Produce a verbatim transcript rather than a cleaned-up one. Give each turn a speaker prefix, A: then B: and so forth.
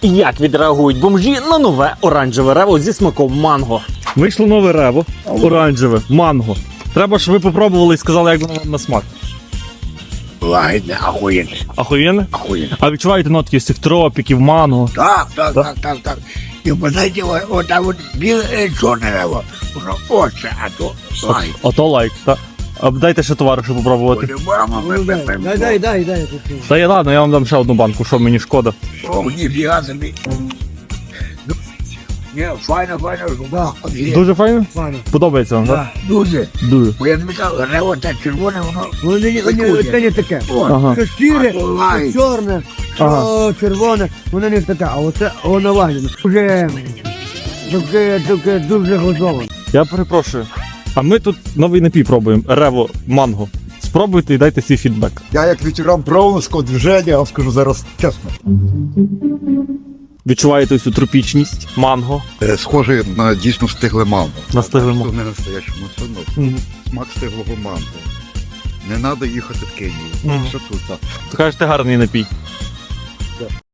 A: Як відреагують бомжі на нове оранжеве рево зі смаком манго? Вийшло нове рево, оранжеве, манго. Треба, щоб ви попробували і сказали, як воно вам на смак.
B: Лагідне, охуєнне.
A: Ахуєнне?
B: Охуєнне.
A: А відчуваєте нотки з цих тропіків, манго?
B: Так, так, так, так, так. І ви знаєте, от, от там от біле е, чорне рево. Воно оце, а то лагідне.
A: Ото лайк, так. А дайте ще товаришу попробувати.
B: Ой, мама, ми
C: Дай,
B: пепемо.
C: дай, дай, дай, дай.
A: Та я ладно, я вам дам ще одну банку, що мені шкода.
B: О, ніфіга собі. Ну, ні, файно, файно.
C: Да.
B: Офігеть.
A: Дуже файно?
C: Файно.
A: Подобається вам, так?
C: Да.
B: Дуже.
A: Дуже.
B: Бо я тобі кажу, рево та червоне, воно...
C: Воно не, не, не, це не таке.
B: О,
A: Ага.
C: Що сіре,
B: А то лайк.
C: що чорне, що
A: Ага.
C: червоне, воно не таке, а оце воно лагідне. Дуже, таке, таке дуже готове.
A: Я перепрошую. А ми тут новий напій пробуємо. Рево манго. Спробуйте і дайте свій фідбек.
D: Я як ветеран броуновського движення, я вам скажу зараз чесно.
A: Відчуваєте цю тропічність манго?
D: Е, Схоже на дійсно стигле манго.
A: На стигле манго.
D: Це не настоящому це смак стиглого манго. Не треба їхати в Кенію.
A: Мгм.
D: Що тут? так?
A: То кажете, гарний напій.